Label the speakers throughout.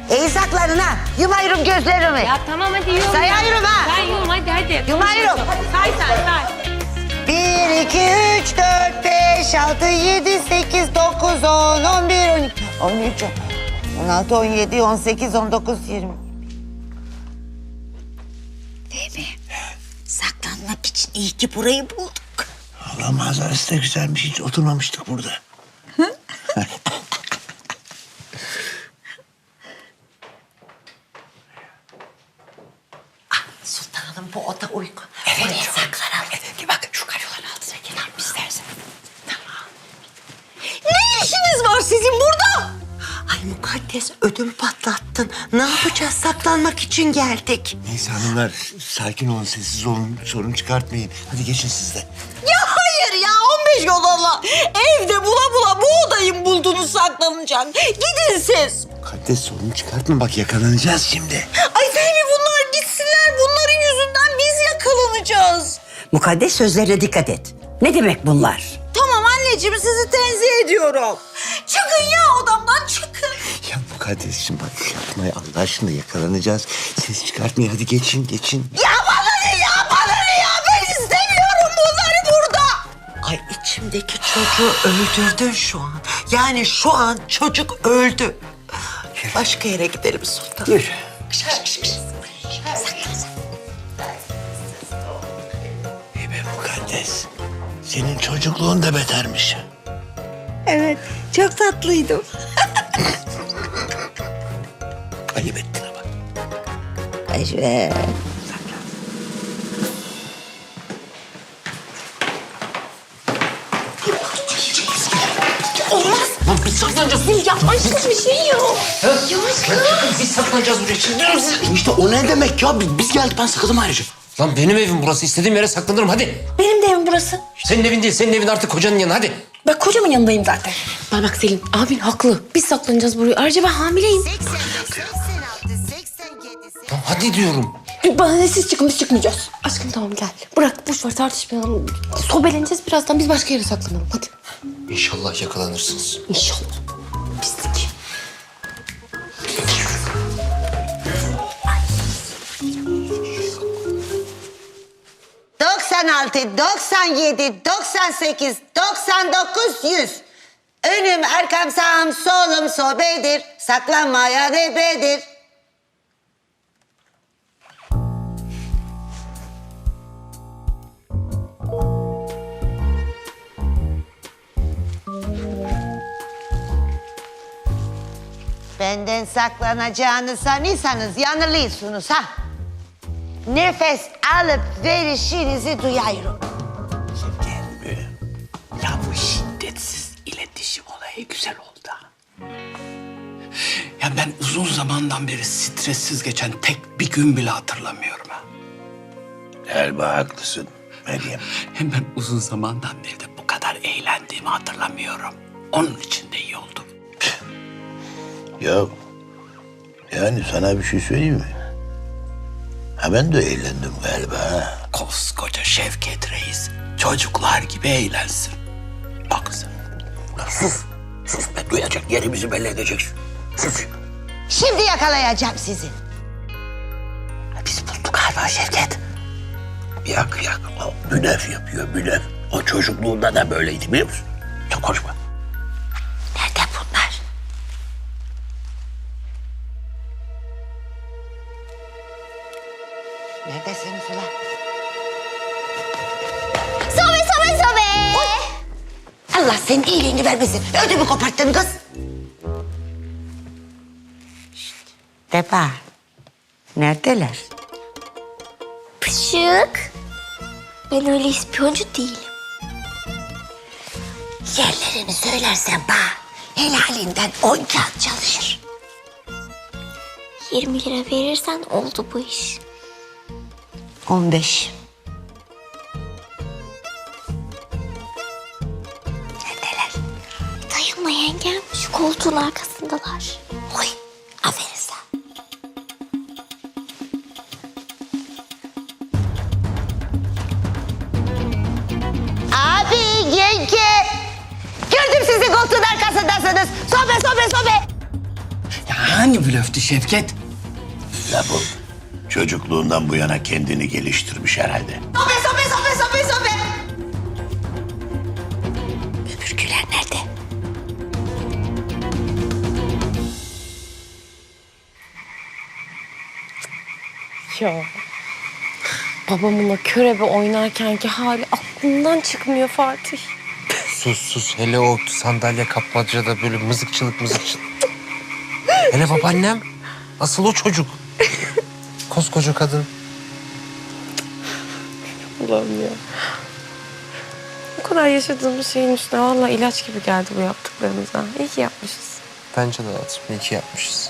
Speaker 1: İyi saklanın ha. Yumayırım gözlerimi.
Speaker 2: Ya tamam hadi yum.
Speaker 1: Sayıyorum ha.
Speaker 2: Ben yum hadi.
Speaker 1: Yumayırım.
Speaker 2: Say say.
Speaker 1: 1, 2, 3, 4, 5, 6, 7, 8, 9, 10, 11, 12, 13, 16, 17, 18, 19, 20. Değil mi? Saklanmak için iyi ki burayı bulduk.
Speaker 3: Allah manzarası da güzelmiş. Hiç oturmamıştık burada.
Speaker 1: Sultanım bu oda uygun. Evet. Oraya saklanalım. Evet. Bak şu karyoların altına girelim istersen. Tamam. Ne işiniz var sizin burada? Ay mukaddes ödüm patlattın. Ne yapacağız? Saklanmak için geldik.
Speaker 3: Neyse hanımlar sakin olun, sessiz olun. Sorun çıkartmayın. Hadi geçin siz de.
Speaker 1: Ya hayır ya 15 yol Allah. Evde bula bula bu odayı mı buldunuz saklanacak? Gidin siz.
Speaker 3: Mukaddes sorun çıkartma, bak yakalanacağız şimdi.
Speaker 1: Ay Fehmi bunlar gitsinler. Bunların yüzünden biz yakalanacağız.
Speaker 4: Mukaddes sözlerine dikkat et. Ne demek bunlar?
Speaker 1: Tamam anneciğim sizi tenzih ediyorum. Çıkın ya odamdan çıkın.
Speaker 3: Ya Mukaddes'cim bak yapma ya, Allah aşkına yakalanacağız. Ses çıkartmayın, hadi geçin.
Speaker 1: Ya bana ne ya bana ne ya ben istemiyorum bunları burada. Ay içimdeki çocuğu öldürdün şu an. Yani şu an çocuk öldü. Başka yere gidelim sultan.
Speaker 4: Yürü.
Speaker 3: İyi be Mukaddes. Senin çocukluğun da betermiş.
Speaker 1: Evet çok tatlıydım.
Speaker 3: Ayıp ettin ama.
Speaker 1: Evet.
Speaker 5: Lan biz saklanacağız.
Speaker 2: Yavaş bir şey yok.
Speaker 5: Biz saklanacağız buraya. Şimdi İşte o ne demek ya? Biz geldik, ben sakındım ayrıca. Lan benim evim burası. İstediğim yere saklanırım hadi.
Speaker 6: Benim de evim burası.
Speaker 5: Senin evin değil. Senin evin artık kocanın yanı hadi.
Speaker 6: Ben kocamın yanındayım zaten.
Speaker 2: Bak Selin abin haklı. Biz saklanacağız buraya. Ayrıca ben hamileyim.
Speaker 5: Lan hadi diyorum.
Speaker 6: Bana ne siz çıkın biz çıkmayacağız.
Speaker 2: Aşkım tamam gel. Bırak boş ver tartışmayalım. Sobeleneceğiz birazdan biz başka yere saklanalım hadi.
Speaker 5: İnşallah yakalanırsınız.
Speaker 2: İnşallah. Pislik.
Speaker 1: ...96, 97, 98, 99, 100. Önüm, arkam, sağım, solum sobedir. Saklanmaya nebedir. Benden saklanacağını sanıyorsanız yanılıyorsunuz ha. Nefes alıp verişinizi duyuyorum.
Speaker 7: Ya bu şiddetsiz iletişim olayı güzel oldu. Ya ben uzun zamandan beri stressiz geçen tek bir gün bile hatırlamıyorum ha.
Speaker 3: Galiba haklısın Meryem.
Speaker 7: Hem ben uzun zamandan beri de bu kadar eğlendiğimi hatırlamıyorum. Onun için de iyi oldu.
Speaker 3: Ya yani sana bir şey söyleyeyim mi? Ha ben de eğlendim galiba ha.
Speaker 7: Koskoca Şevket Reis çocuklar gibi eğlensin. Bak sen.
Speaker 3: Sus be, duyacak, yerimizi belli edeceksin. Sus.
Speaker 1: Şimdi yakalayacağım sizi.
Speaker 3: Biz bulduk galiba Şevket. Yak. O blöf yapıyor, blöf. O çocukluğunda da böyleydi biliyor musun? Çok konuşma.
Speaker 1: Nerede bunlar? Neredesiniz ulan?
Speaker 2: Sobe.
Speaker 1: Allah senin iyiliğini vermesin. Ödümü koparttın kız. Şşt. Deba. Neredeler?
Speaker 6: Pışık. Ben öyle ispiyoncu değilim.
Speaker 1: Yerlerini söylersen bana helalinden 10 kağıt çalışır.
Speaker 6: 20 lira verirsen oldu bu iş.
Speaker 1: 15. Neredeler?
Speaker 6: Dayanma yengem. Şu koltuğun arkasındalar.
Speaker 1: Oy, aferin sana. Abi, yenge. Gördüm sizi koltuğun arkasındasınız. Sobe.
Speaker 7: Ya hangi blöftü Şevket?
Speaker 3: Ya bu çocukluğundan bu yana kendini geliştirmiş herhalde.
Speaker 1: Sobe.
Speaker 6: Öbürküler nerede?
Speaker 2: Ya. Babamın o körebe oynarkenki hali aklımdan çıkmıyor Fatih.
Speaker 5: Sus. Hele o sandalye kapmacada böyle mızıkçılık. Hele babaannem. Asıl o çocuk. Koskoca kadın.
Speaker 2: Allah'ım ya. Bu kadar yaşadığımız şeyin üstüne vallahi ilaç gibi geldi bu yaptıklarımıza. İyi ki yapmışız.
Speaker 5: Bence de hayatım. İyi ki yapmışız.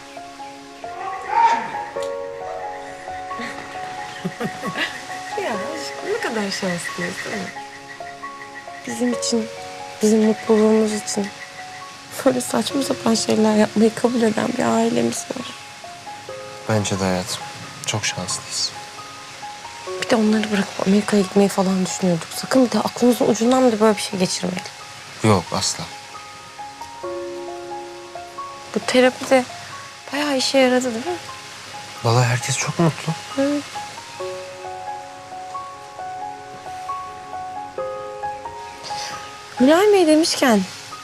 Speaker 2: Ya aşkım ne kadar şanslıyız değil mi? Bizim için, bizim mutluluğumuz için böyle saçma sapan şeyler yapmayı kabul eden bir ailemiz var.
Speaker 5: Bence de hayatım. Çok şanslıyız.
Speaker 2: Bir de onları bırakıp Amerika'ya gitmeyi falan düşünüyorduk. Sakın bir de aklımızın ucundan bile böyle bir şey geçirmeyelim.
Speaker 5: Yok asla.
Speaker 2: Bu terapi de bayağı işe yaradı değil mi?
Speaker 5: Vallahi herkes çok mutlu.
Speaker 2: Mülayim Bey demişken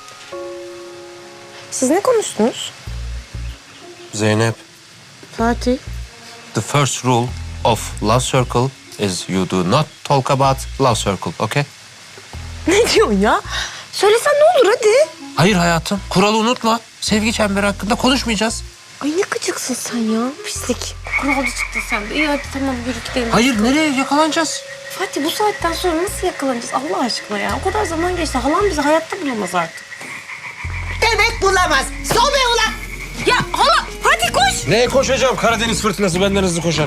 Speaker 2: siz ne konuştunuz?
Speaker 5: Zeynep,
Speaker 2: Fatih.
Speaker 5: the first rule of love circle is you do not talk about love circle, okay?
Speaker 2: Ne diyorsun ya? Söylesen ne olur hadi.
Speaker 5: Hayır hayatım, kuralı unutma. Sevgi çemberi hakkında konuşmayacağız.
Speaker 2: Ay ne gıcıksın sen ya. Pislik. Kuralcı çıktın sen de. İyi hadi tamam yürü gidelim.
Speaker 5: Hayır, nereye yakalanacağız?
Speaker 2: Fatih bu saatten sonra nasıl yakalanacağız Allah aşkına ya? O kadar zaman geçti. Halam bizi hayatta bulamaz artık.
Speaker 1: Demek bulamaz. Sobe ulan.
Speaker 2: Ya hala hadi koş.
Speaker 5: Neye koşacağım? Karadeniz fırtınası benden hızlı koşar.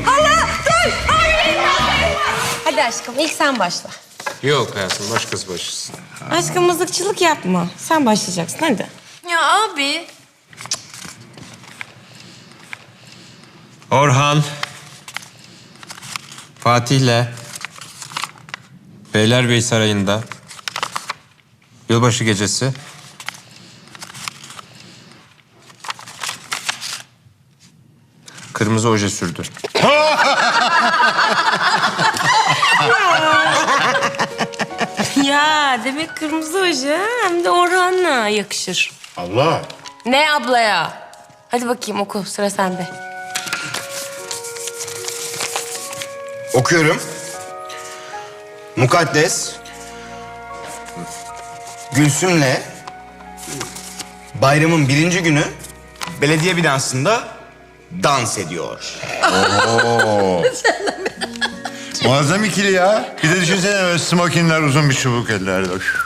Speaker 2: Hadi aşkım ilk sen başla.
Speaker 5: Yok hayatım, başkası başlasın.
Speaker 2: Aşkım mızıkçılık yapma. Sen başlayacaksın hadi.
Speaker 1: Ya abi.
Speaker 5: Orhan, Fatih'le Beylerbeyi Sarayı'nda yılbaşı gecesi kırmızı oje sürdü.
Speaker 2: Ya demek kırmızı oje hem de Orhan'la yakışır.
Speaker 3: Allah.
Speaker 2: Ne ablaya? Hadi bakayım oku sıra sende.
Speaker 8: Okuyorum. Mukaddes Gülsüm'le bayramın 1. günü belediye binasında dans ediyor.
Speaker 9: Muazzam ikili ya. Bir de düşünsene böyle smokinler, uzun bir çubuk ellerde. Üf.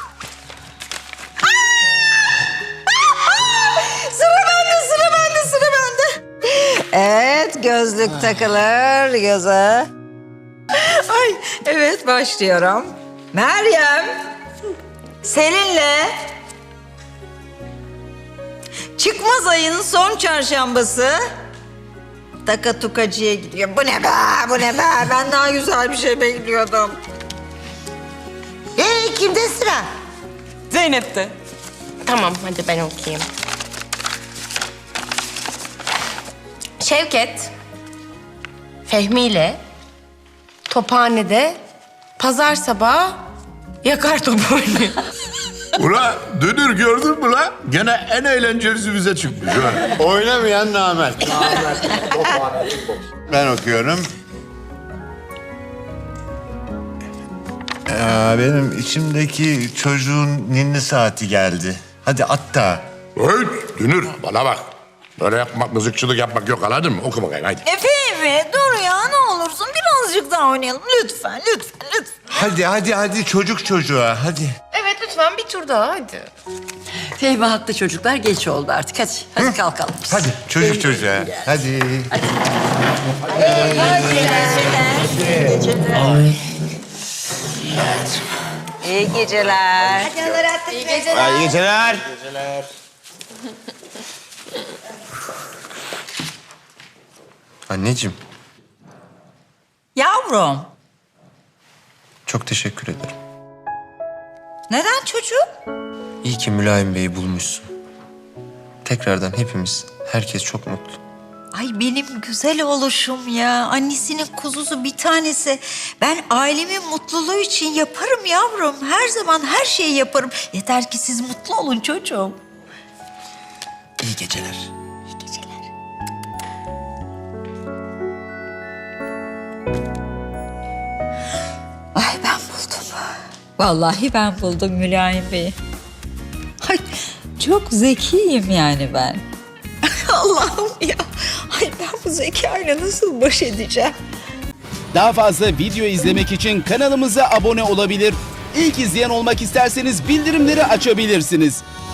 Speaker 1: Sıra bende. Evet, gözlük takılır göze. Ay, evet başlıyorum. Meryem, Selin'le çıkmaz ayın son çarşambası Takatukacı'ya gidiyor. Bu ne be? Ben daha güzel bir şey bekliyordum. Kimde sıra?
Speaker 2: Zeynep'te. Tamam hadi ben okuyayım. Şevket, Fehmi ile Tophane'de pazar sabahı yakar top oynuyor.
Speaker 9: Ula Dünür gördün mü la? Gene en eğlencelisi bize çıkmış. Ha. Oynamayan namert. Ben okuyorum. Benim içimdeki çocuğun ninni saati geldi. Hadi at da.
Speaker 3: Hey, Dünür bana bak. Böyle yapmak, mızıkçılık yapmak yok, anladın mı? Oku bakayım hadi.
Speaker 1: Efe dur ya ne olursun birazcık daha oynayalım. Lütfen.
Speaker 9: Hadi çocuk çocuğa hadi.
Speaker 2: Evet lütfen bir tur daha hadi.
Speaker 4: Fehmi haklı çocuklar, geç oldu artık. Hadi kalkalım biz.
Speaker 9: Hadi çocuk çocuğa. Hadi.
Speaker 1: İyi geceler.
Speaker 8: İyi geceler.
Speaker 5: Anneciğim,
Speaker 1: Yavrum,
Speaker 5: çok teşekkür ederim.
Speaker 1: neden çocuğum?
Speaker 5: İyi ki Mülayim Bey'i bulmuşsun. tekrardan hepimiz, herkes çok mutlu.
Speaker 1: Ay benim güzel oluşum ya. Annesinin kuzusu bir tanesi. Ben ailemin mutluluğu için yaparım yavrum. Her zaman her şeyi yaparım. Yeter ki siz mutlu olun çocuğum.
Speaker 5: İyi geceler.
Speaker 1: İyi geceler. Ay ben buldum. Vallahi ben buldum Mülayim Bey'i. Ay çok zekiyim yani ben. Allah'ım ya. Ay ben bu zekayla nasıl baş edeceğim?
Speaker 10: Daha fazla video izlemek için kanalımıza abone olabilir. İlk izleyen olmak isterseniz bildirimleri açabilirsiniz.